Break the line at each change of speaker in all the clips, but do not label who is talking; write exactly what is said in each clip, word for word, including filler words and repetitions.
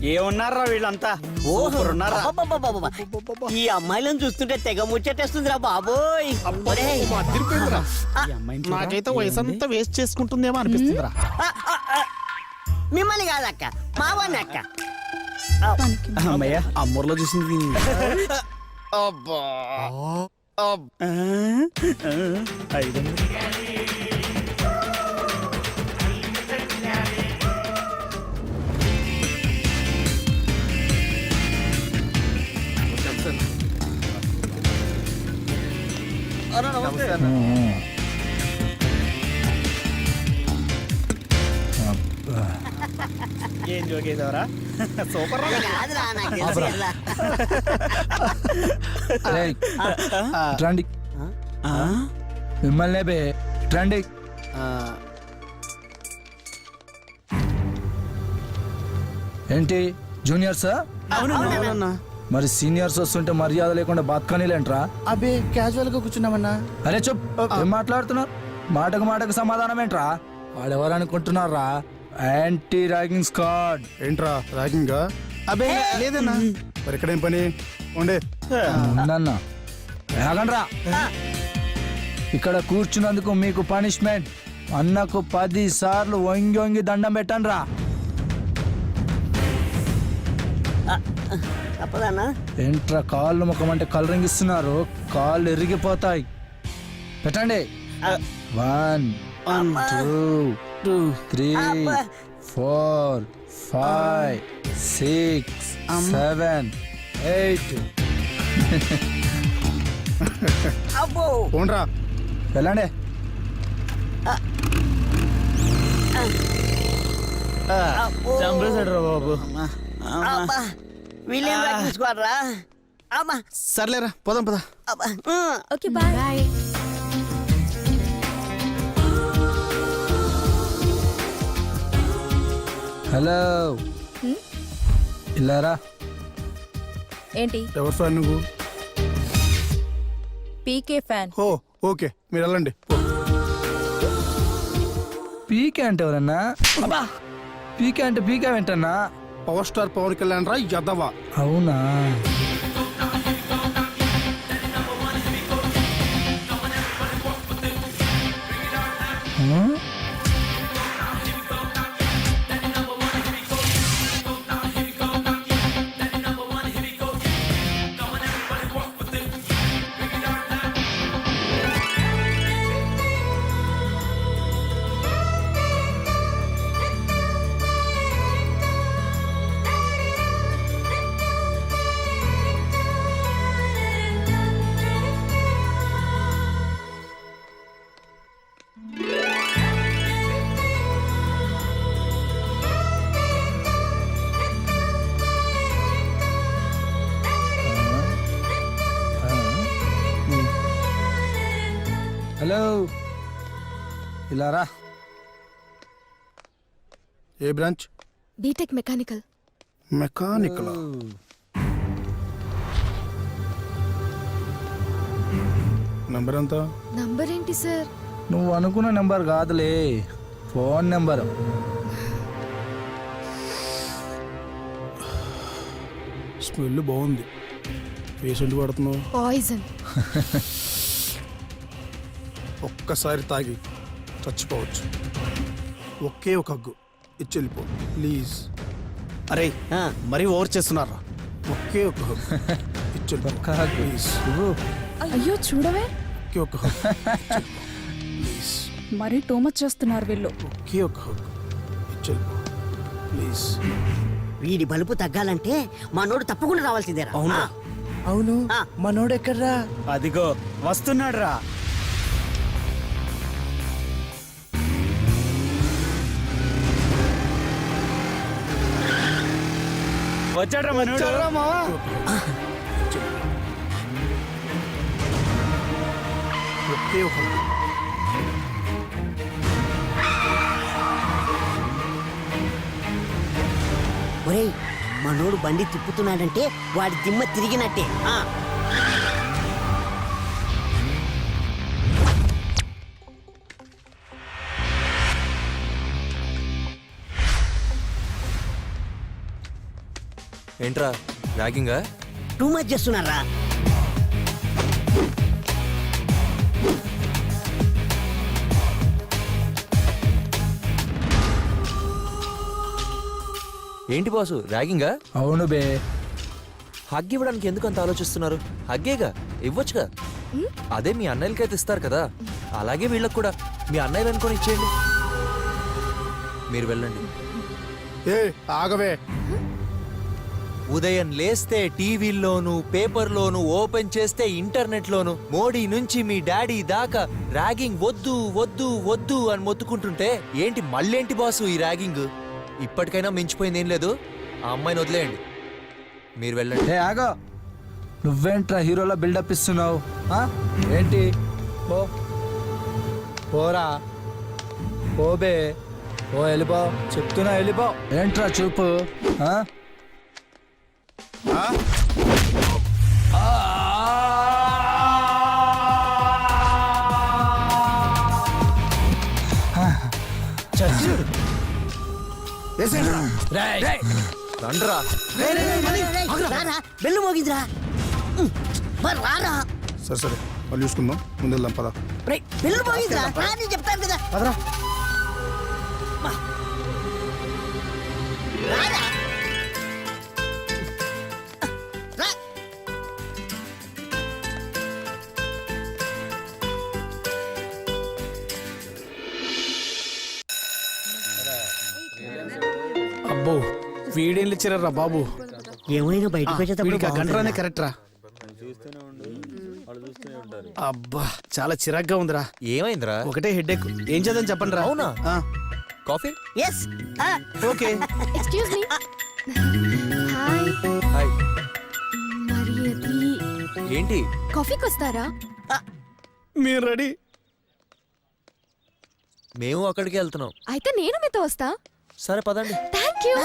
ఏమున్నారా వీళ్ళంతా సూపర్ ఉన్నారా?
అబ్బబ్బబ్బబ్బబ్బ. ఈ అమ్మాయిలను చూస్తుంటే తెగ ముచ్చటేస్తుందిరా బాబోయ్. ఒరేయ్.
అదిరిపోయిందిరా.
ఈ అమ్మాయిని చూడరా?
నాకైతే వయసు అంతా వేస్ట్ చేసుకుంటుందేమో అనిపిస్తుందిరా.
ఆ, ఆ, ఆ. మిమ్మల్ని కాదక్క మావాన్ని అక్క.
అమ్మయ్య అమ్మూర్లో చూసింది దీన్ని.
అబ్బా అబ్బా.
ఆ, ఆ, ఐదు వందలు. ఏం జోకేశావరా? సూపర్ రా.
అది కాదురా, నాకు తెలుసు కదా.
ఏయ్, రండి
ఆ?
మిమ్మల్ని బే రండి.
ఆ,
ఏంటి జూనియర్సా?
అవునన్నా అవునన్నా.
మరి సీనియర్స్ వస్తుంటే మర్యాద లేకుండా బతకనిలేంట్రా?
అబ్బే క్యాజువల్ గా కూర్చున్నామన్నా.
అరే చెప్ ఏం మాట్లాడుతున్నారు? మాటకు మాటకు సమాధానం ఏంట్రా? వాడెవరు అనుకుంటున్నారా? Anti ragging squad.
ఏంట్రా ర్యాగింగా? అబ్బే లేదన్నా. మరి ఇక్కడేం పని ఉండే?
ఉందన్నా ఆగండ్రా. ఇక్కడ కూర్చున్నందుకు మీకు పనిష్మెంట్. అన్నకు పది సార్లు వంగి వంగి దండం పెట్టండి రా.
తప్పదన్నా.
ఏంట్రా కాళ్ళు ముఖం అంటే కలరింగ్ ఇస్తున్నారు? కాళ్ళు ఎరిగిపోతాయి. పెట్టండి. One two three four five six seven eight.
అబ్బో.
పోండ్రా.
వెళ్ళండి.
అబ్బో.
చంపేశాడు రా బాబు.
అబ్బా. వీళ్ళేం రాసుకోరా? అమ్మా.
సర్లేరా పోదాం పదా.
అబ్బా.
Okay bye bye.
హలో ఇల్లారా.
ఏంటి?
ఎవరు ఫ్యాన్ నువ్వు?
పీకే ఫ్యాన్.
ఓ ఓకే మీరు వెళ్ళండి. పో.
పీకే అంటే ఎవరన్నా? పీకే అంటే పీకే వెంటన్నా?
పవర్ స్టార్ పవన్ కళ్యాణ్ రా యదవా.
అవునా? ఆ? హలో ఇలారా.
ఏ branch?
B Tech mechanical.
Mechanical. Number ఎంత?
నంబర్ ఏంటి సార్?
నువ్వు అనుకున్న నెంబర్ కాదులే, ఫోన్ నెంబర్.
స్మెల్ బాగుంది. పేషెంట్ పడుతున్నావు.
పాయిజన్.
ఒక్కసారి తాగి చచ్చిపోవచ్చు. ఒకే ఒక హగ్గు ఇచ్చి వెళ్ళిపో ప్లీజ్.
అరే మరీ ఓవర్ చేస్తున్నారా?
ఒకే ఒక హగ్గు ఇచ్చి వెళ్ళిపో ప్లీజ్.
అయ్యో చూడవే.
ఒకే ఒక హగ్గు ప్లీజ్.
మరీ టూ మచ్ చేస్తున్నారు వీళ్ళు.
ఒకే ఒక హగ్గు ఇచ్చి వెళ్ళిపో ప్లీజ్.
వీడి బలుపు తగ్గాలంటే మనోడు తప్పకుండా రావాల్సిందేరా.
అవునా?
అవును
ఆ.
మనోడు ఎక్కడ్రా?
అదిగో వస్తున్నాడు రా. వచ్చాడ్రా మనోడు.
ఒకే ఒక హగ్గు.
ఒరేయ్ మనోడు బండి తిప్పుతున్నాడంటే వాడి దిమ్మ తిరిగినట్టే. ఆ
ఏంట్రా ర్యాగింగా?
టూ మచ్ చేస్తున్నారా?
ఏంటి బాసు ర్యాగింగా?
అవును బే.
హగ్ ఇవ్వడానికి ఎందుకు అంత ఆలోచిస్తున్నారు? హగ్గేగా ఇవ్వచ్చుగా. అదే మీ అన్నయ్యలకైతే ఇస్తారు కదా, అలాగే వీళ్ళకి కూడా మీ అన్నయ్యలు అనుకొని ఇచ్చేయండి. మీరు వెళ్ళండి.
ఏ ఆగవే.
ఉదయం లేస్తే టీవీల్లోను పేపర్లోను ఓపెన్ చేస్తే ఇంటర్నెట్లోను మోడీ నుంచి మీ డాడీ దాకా ర్యాగింగ్ వద్దు వద్దు వద్దు అని మొత్తుకుంటుంటే ఏంటి మళ్ళేంటి బాసు ఈ ర్యాగింగ్? ఇప్పటికైనా మించిపోయింది ఏం లేదు. ఆ అమ్మాయిని వదిలేయండి, మీరు వెళ్ళండి.
ఏ ఆగో, నువ్వేంట్రా హీరోలో బిల్డప్ ఇస్తున్నావు? ఆ? ఏంటి? పో పోరా, పోబే, ఓ వెళ్ళిపో, చెప్తున్నా వెళ్ళిపో. ఏంట్రా చూపు? ఆ?
ఆ? వేసేయండిరా.
రండ్రా.
రారా, బెల్లు మోగిందిరా. ఉమ్, మరి రారా.
సరే సరే మళ్ళీ చూసుకుందాం, ముందు వెళ్దాం పద.
రేయ్, బెల్లు మోగిందిరా. రా, నేను చెప్తాను కదా.
పదరా.
మా. రారా. రా.
అబ్బో వీడేం ఇచ్చారా బాబు?
ఏమైనా బయటకు
వీడికి ఆ గంటరానే
వచ్చేటప్పుడు
కరెక్ట్ రా. అబ్బా చాలా చిరాగ్గా ఉందిరా.
ఏమైందిరా?
ఒకటే హెడ్ ఎక్. ఏం చేద్దాం చెప్పండి రా.
అవునా?
ఆ,
coffee?
Yes.
Okay.
Excuse me. Hi.
Hi.
మరి అది
ఏంటి?
కాఫీకి వస్తారా?
మీరు రెడీ?
మేము అక్కడికి వెళ్తున్నాం.
అయితే నేను మీతో వస్తా.
సరే పదండి.
Thank you.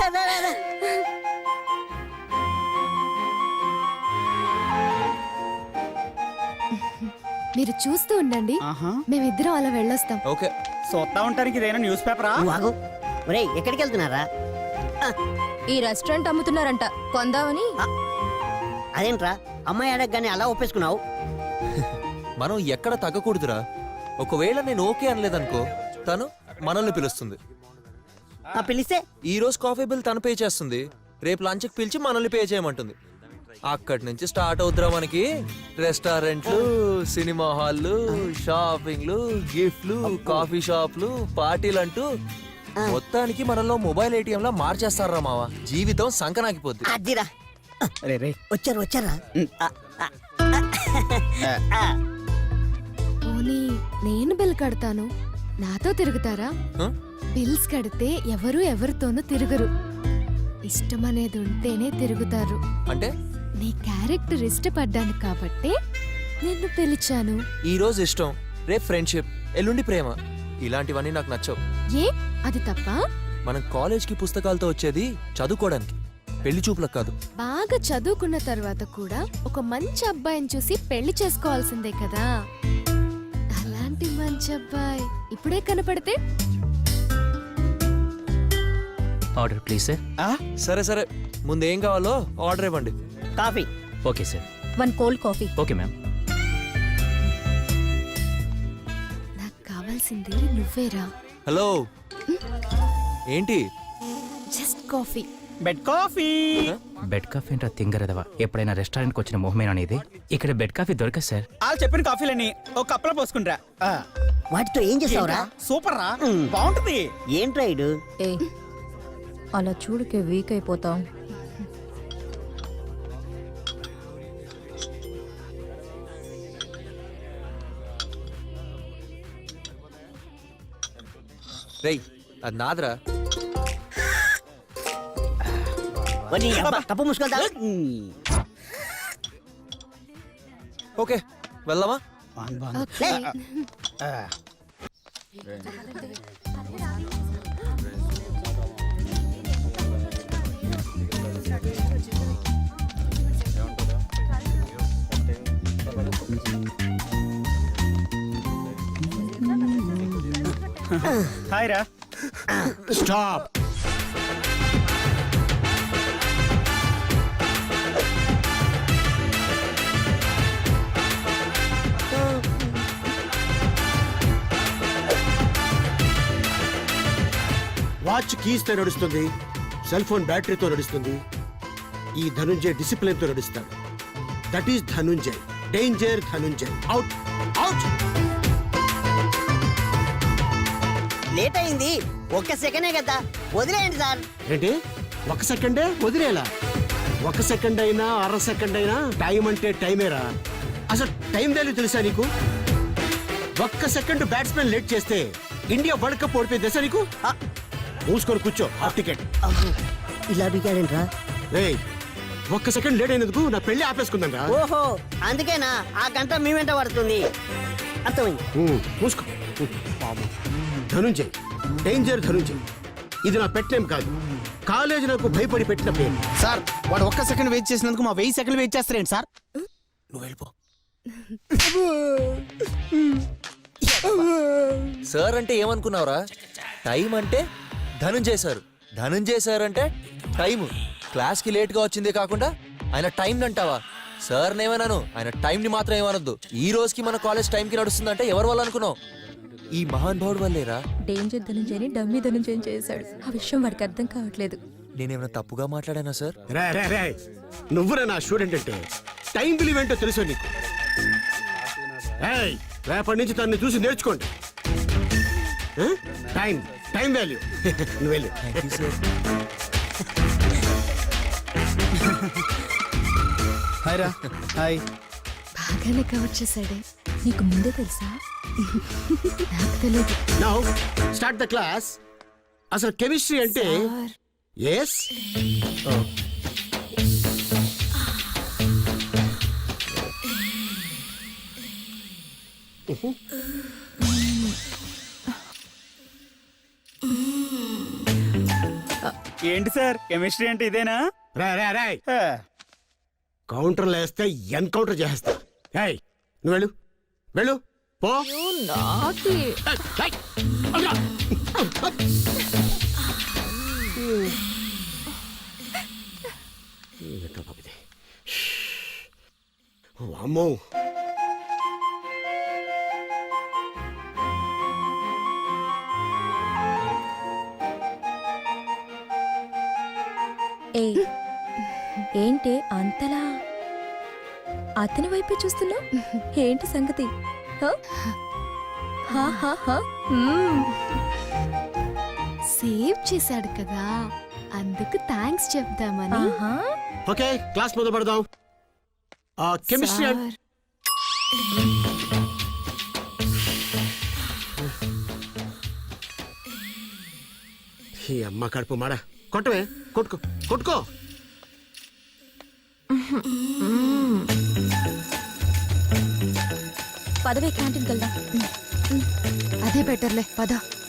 మీరు చూస్తూ ఉండండి,
ఆహా.
మేమిద్దరం అలా వెళ్ళొస్తాం.
ఓకే.
చూస్తా ఉంటానికి ఇదేనా న్యూస్ పేపరా?
నువ్వు ఆగు. ఒరేయ్, ఎక్కడికి వెళ్తున్నారా?
ఈ రెస్టారెంట్ అమ్ముతున్నారంట, కొందామని.
అదేంట్రా అమ్మాయి అడగగానే అలా ఒప్పేసుకున్నావు?
మనం ఎక్కడ తగ్గకూడదురా. ఒకవేళ నేను ఓకే అనలేదనుకో, తను మనల్ని పిలుస్తుంది.
ఆ పిలిస్తే
ఈ రోజు కాఫీ బిల్ తను పే చేస్తుంది, రేపు లంచ్కి పిలిచి మనల్ని పే చేయమంటుంది. అక్కడి నుంచి స్టార్ట్ అవుతురా మనకి రెస్టారెంట్లు, సినిమా హాల్లు, షాపింగ్లు, గిఫ్ట్లు, కాఫీ షాప్లు, పార్టీలు అంటూ మొత్తానికి మనలో మొబైల్ ఏటీఎం లా మార్చేస్తారా మావ. జీవితం సంకనాకిపోద్ది.
అదిరా.
రే రే
వచ్చారు వచ్చారా? ఆ, ఆ, ఆ.
పోనీ నేను బిల్ కడతాను, నాతో తిరుగుతారా?
హ?
బిల్స్ కడితే ఎవరు ఎవరితోనూ తిరగరు. ఇష్టం అనేది ఉంటేనే తిరుగుతారు.
అంటే
నీ క్యారెక్టర్ ఇష్టపడ్డాను కాబట్టి నిన్ను పిలిచాను.
ఈ రోజు ఇష్టం, రేపు ఫ్రెండ్షిప్, ఎల్లుండి ప్రేమ. ఇలాంటివన్నీ నాకు నచ్చవు.
ఏ అది తప్ప?
మనం కాలేజ్కి పుస్తకాలతో వచ్చేది చదువుకోవడానికి, పెళ్లి చూపులకు కాదు.
బాగా చదువుకున్న తర్వాత కూడా ఒక మంచి అబ్బాయిని చూసి పెళ్లి చేసుకోవాల్సిందే కదా. అలాంటి మంచి అబ్బాయి ఇప్పుడే కనపడితే
ఆర్డర్ ప్లీజ్ సార్.
సరే సరే, ముందు ఏం కావాలో ఆర్డర్ ఇవ్వండి.
Coffee.
Okay sir.
One cold coffee.
Okay ma'am.
నాకు కావాల్సింది నువ్వేరా.
హలో, ఏంటి?
Just coffee.
Bed coffee.
Bed coffee ఏంటో తింగరదవా. ఎప్పుడైనా రెస్టారెంట్కి వచ్చిన మొహమేనా అనేది? ఇక్కడ బెడ్ కాఫీ దొరకదు సార్.
వాళ్ళు చెప్పిన కాఫీలని ఒక కప్పులో పోసుకుంటా.
వాటితో ఏం చేస్తావురా?
సూపర్ రా, బాగుంటుంది.
ఏంట్రా ఇడు?
ఏ అలా చూడుకే వీక్ అయిపోతాం.
రేయ్, అది నాదరా.
వని అబ్బా, కప్పు మూసుకెళ్తా.
ఓకే, వెళ్దామా?
ఓకే.
హాయ్ రా.
స్టాప్.
వాచ్ కీస్ తో నడుస్తుంది, సెల్ ఫోన్ బ్యాటరీతో నడుస్తుంది. ఈ ధనుంజయ్ డిసిప్లిన్ తో నడుస్తాడు. That is Dhananjay, danger Dhananjay. Out out.
Late అయింది, ఒక్క సెకండే కదా, వదిలేయండి సార్.
ఏంటి ఒక సెకండే వదిలేలా? ఒక సెకండ్ అయినా అర సెకండ్ అయినా టైం అంటే టైమేరా. అసలు టైం వాల్యూ తెలుసా నీకు? ఒక్క సెకండ్ బ్యాట్స్మెన్ లేట్ చేస్తే ఇండియా వరల్డ్ కప్ ఓడిపోయింది తెలుసా నీకు?
ఆ,
మూసుకొని కూర్చో, హాఫ్ టికెట్.
అబ్బో, ఇలా బిగాడేంట్రా?
రేయ్, ఒక్క సెకండ్ లేట్ అయినందుకు నా పెళ్లి ఆపేసుకుందా?
ఓహో, అందుకేనా ఆ గంట మీ వెంట పడుతుంది. అర్థమైంది.
మూసుకో. ధనుంజయ్, డేంజర్ ధనుంజయ్. ఇది నా పెట్ నేమ్ కాదు, కాలేజీ నాకు భయపడి పెట్టిన పేరు.
సార్ వాడు ఒక్క సెకండ్ వెయిట్ చేసినందుకు మా వెయ్యి సెకండ్ వెయిట్ చేస్తారేంటి సార్?
నువ్వు వెళ్ళిపో.
సార్ అంటే ఏమనుకున్నావురా? టైం అంటే ధనుంజయ్ సార్, ధనుంజయ్ సార్ అంటే టైం. క్లాస్కి లేట్గా వచ్చిందే కాకుండా ఆయన టైం అంటావా? సార్ నేమన్నాను, ఆయన టైంని మాత్రం ఏమనొద్దు. ఈ రోజుకి మన కాలేజ్ టైంకి నడుస్తుందంటే ఎవరి వల్ల అనుకున్నావు? ఈ మహాన్ భావుడు వల్లేరా.
డేంజర్ ధనుంజయని డమ్మీ ధనుంజయం చేశాడు. ఆ విషయం వాడికి అర్థం కావట్లేదు.
నేనేమైనా తప్పుగా మాట్లాడానా సార్?
రే రే రే, నువ్వురా నా స్టూడెంట్ అంటే టైం విలువ ఏంటో తెలుసు నీకు. ఏయ్, రేపటి నుంచి తనని చూసి నేర్చుకోండి. ఆ? Time time value. నువ్వు వెళ్ళు.
Thank you sir.
హాయ్ రా. హాయ్.
బాగానే కవర్ చేశాడే.
నీకు ముందే తెలుసా?
నాకు తెలియదు.
Now start the class. అసలు కెమిస్ట్రీ అంటే ఎస్
ఏంటి సార్ కెమిస్ట్రీ అంటే ఇదేనా?
రా రా రా,
హ,
కౌంటర్లు వేస్తే ఎన్కౌంటర్ చేస్తా. ఏయ్, నువ్వు వెళ్ళు వెళ్ళు పో. ఏయ్, ఏయ్, అల్లా. ఏంటో బాబు ఇది. అమ్మో,
ఏ ఏంటి అంతలా అతని వైపే చూస్తున్నా? ఏంటి సంగతి? హ? హా, హా, హా. మ్మ్.
సేవ్ చేశాడు కదా, అందుకు థ్యాంక్స్ చెప్దామని.
ఆహా.
ఓకే క్లాస్ మొదలు పెడదాం. కెమిస్ట్రీ
సార్,
ఈ అమ్మ కడుపు మాడ. కొట్టవే, కొట్టుకో కొట్టుకో.
పదవే క్యాంటీన్కి వెళ్దాం.
అదే బెటర్లే, పద.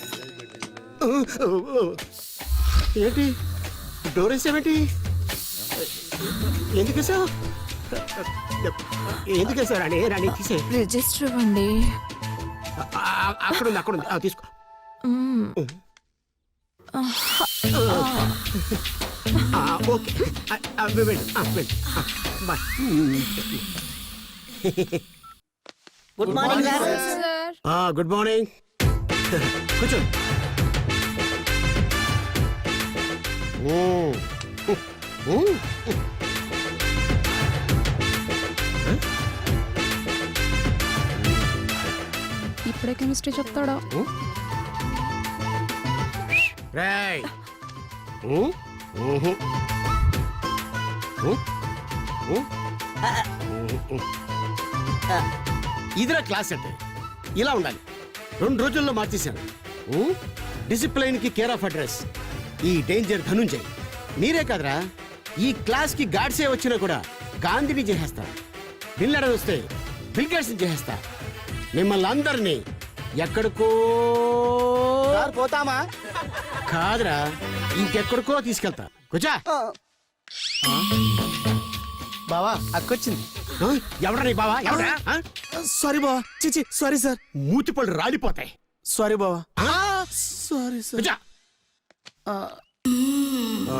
ఏంటి డోర్ వేసావేంటి? ఎందుకు వేసావు? ఎందుకు వేసావు రాణి? రాణి తీసే.
రిజిస్టర్ ఇవ్వండి.
అక్కడ ఉంది అక్కడ ఉంది, ఆ, తీసుకో. ఆ, ఓకే. ఆ, ఆ, వెళ్ళు, ఆ, వెళ్ళు. ఆ, బాయ్.
Good morning sir.
ఆ, గుడ్ మార్నింగ్. కూర్చో. ఓ, ఓ, ఓ.
ఇప్పుడే కెమిస్ట్రీ చెప్తాడా?
రేయ్. ఓ, ఓహో. ఓ, ఓ. ఓ, ఓ. ఇదిరా క్లాస్ అంటే ఇలా ఉండాలి. రెండు రోజుల్లో మార్చేశాను. డిసిప్లైన్ కి కేర్ ఆఫ్ అడ్రస్ ఈ డేంజర్ ధనుంజయ్. మీరే కాదురా, ఈ క్లాస్ కి గాడ్సే వచ్చినా కూడా గాంధీని చేసేస్తా. బిల్లడ వస్తే బిల్గేట్స్ చేసేస్తా. మిమ్మల్ని అందరినీ ఎక్కడికో
సార్ పోతామా?
కాదురా, ఇంకెక్కడికో తీసుకెళ్తా. కూర్చో.
బావా అక్కొచ్చింది.
ఆ? ఎవడ్రా నీ బావా? ఎవడ్రా? ఆ?
సారీ బావా. చిచి సారీ సార్.
మూతిపళ్ళు రాలిపోతాయి.
సారీ బావా.
ఆ?
Sorry sir.
కూర్చో.
ఆ,
ఆ.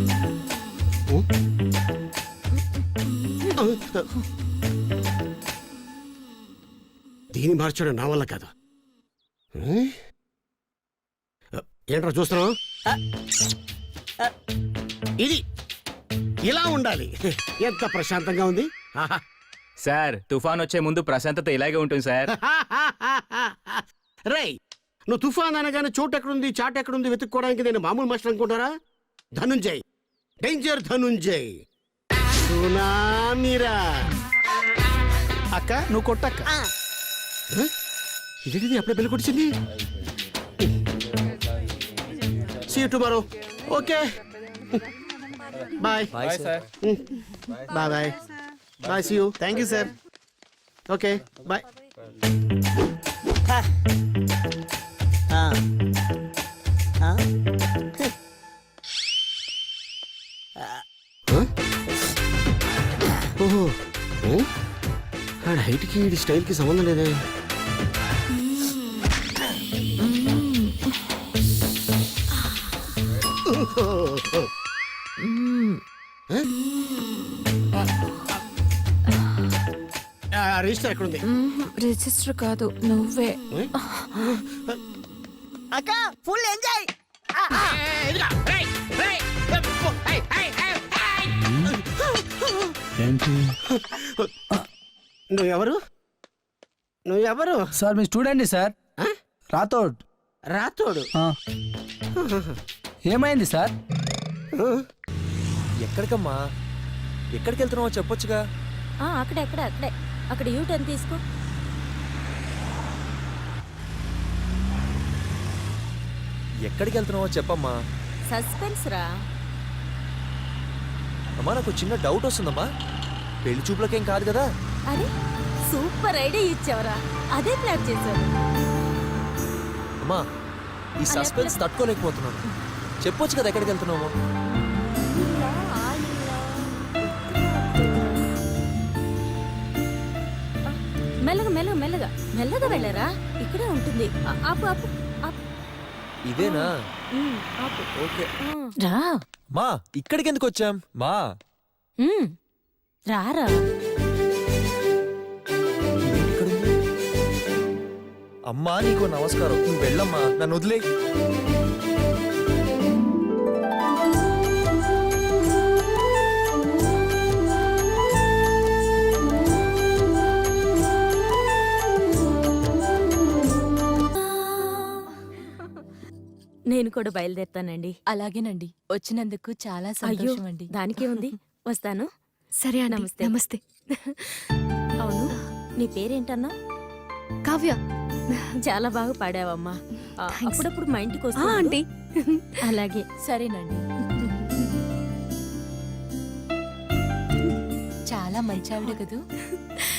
ఓ? ఆ. దీన్ని మార్చడం నా వల్ల కాదు. ఏంట్రా చూస్తున్నావు? ఇది ఇలా ఉండాలి. ఎంత ప్రశాంతంగా ఉంది. ఆహా.
సార్ తుఫాన్ వచ్చే ముందు ప్రశాంతత ఇలాగే ఉంటుంది సార్.
రేయ్, నువ్వు తుఫాన్ అనగానే చోటు ఎక్కడుంది చాట్ ఎక్కడుంది వెతుక్కోవడానికి నేను మామూలు మాస్టర్ అనుకుంటారా? ధనుంజయ్, డేంజర్ ధనుంజయ్, సునామీరా.
అక్క నువ్వు కొట్టక్క.
ఇదేంటిది అప్పుడే బెల్ కొట్టింది. See you tomorrow. Okay bye
bye sir.
Bye bye bye. See you.
Thank you sir.
Okay bye.
హ. ఆ. ఆ?
ఓహో, ఆడ హైట్కి ఈ స్టైల్కి సంబంధం లేదే. రిజిస్టర్ ఎక్కడుంది?
రిజిస్టర్ కాదు నువ్వే.
అక్క ఫుల్ ఎంజాయ్.
నువ్వెవరు? నువ్వెవరు?
సార్ మీ స్టూడెంట్ సార్,
ఆ?
రాథోడ్.
రాతోడు.
ఆ. ఏమైంది సార్?
ఎక్కడికమ్మా? ఎక్కడికి వెళ్తున్నావో చెప్పొచ్చుగా.
అక్కడే అక్కడే అక్కడే అక్కడ యూ టర్న్ తీసుకో.
ఎక్కడికి వెళ్తున్నావో చెప్పమ్మా.
సస్పెన్స్ రా.
అమ్మా నాకు చిన్న డౌట్ వస్తుందమ్మా. పెళ్లి చూపులకేం కాదు కదా?
అరే సూపర్ ఐడియా ఇచ్చావరా. అదే ప్లాన్ చేశారు.
అమ్మా ఈ సస్పెన్స్ తట్టుకోలేకపోతున్నాను. చెప్పొచ్చు కదా ఎక్కడికి వెళ్తున్నావు.
మెల్లగా మెల్లగా మెల్లగా మెల్లగా వెళ్ళరా. ఇక్కడే ఉంటుంది. ఆ- ఆపు ఆపు ఆపు.
ఇదేనా?
ఉమ్, ఆపు.
ఓకే.
రా
మా ఇక్కడికి ఎందుకు వచ్చాం మా?
ఉమ్, రారా.
ఇక్కడుంది. అమ్మా నీకు నమస్కారం. నువ్వు వెళ్ళమ్మా, నన్ను వదిలే.
నేను కూడా బయలుదేరుతానండి.
అలాగేనండి. వచ్చినందుకు చాలా
అయ్యో
సంతోషం అండి.
దానికే ఉంది. వస్తాను.
సరే అండి.
నమస్తే.
నమస్తే.
అవును, నీ పేరేంటన్నా?
కావ్య.
చాలా బాగా పాడావమ్మా. ఆ,
Thanks.
అప్పుడప్పుడు మా ఇంటికి
ఆ,
వస్తా
ఆంటీ.
అలాగే.
సరేనండి. చాలా మంచి ఆవిడ కదూ.